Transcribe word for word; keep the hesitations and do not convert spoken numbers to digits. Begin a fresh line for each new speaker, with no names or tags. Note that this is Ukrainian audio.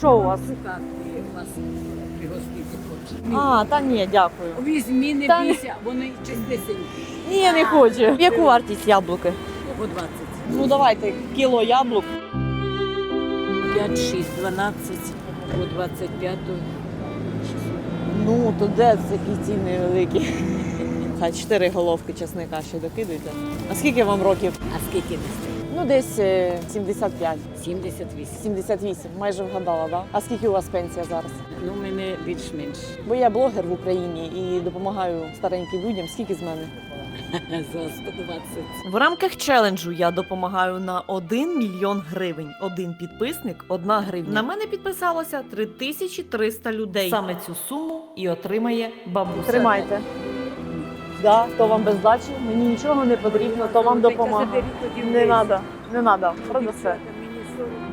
Що у вас?
Шукати вас пригостити хоче.
А, та ні, дякую.
Візьмі, не
Та ні.
бійся, вони чистесенькі.
Ні, я не хочу. Яку вартість яблуки?
По двадцять.
Ну давайте кіло яблук.
п'ять, шість, дванадцять, по двадцять п'ять.
Ну, то де такі ціни великі? Хай чотири головки чесника ще докидуйте. А скільки вам років?
А скільки нести?
Ну, десь е, сімдесят п'ять.
сімдесят вісім.
сімдесят вісім, майже вгадала, да? А скільки у вас пенсія зараз?
Ну, в мене більш-менш.
Бо я блогер в Україні і допомагаю стареньким людям. Скільки з мене?
За сто двадцять.
В рамках челенджу я допомагаю на один мільйон гривень. Один підписник – одна гривня. На мене підписалося три тисячі триста людей. Саме цю суму і отримає бабуся. Тримайте. Да, то вам без здачі, мені нічого не потрібно, то вам допомога. Не треба, не треба, продасте.
Мені сорок.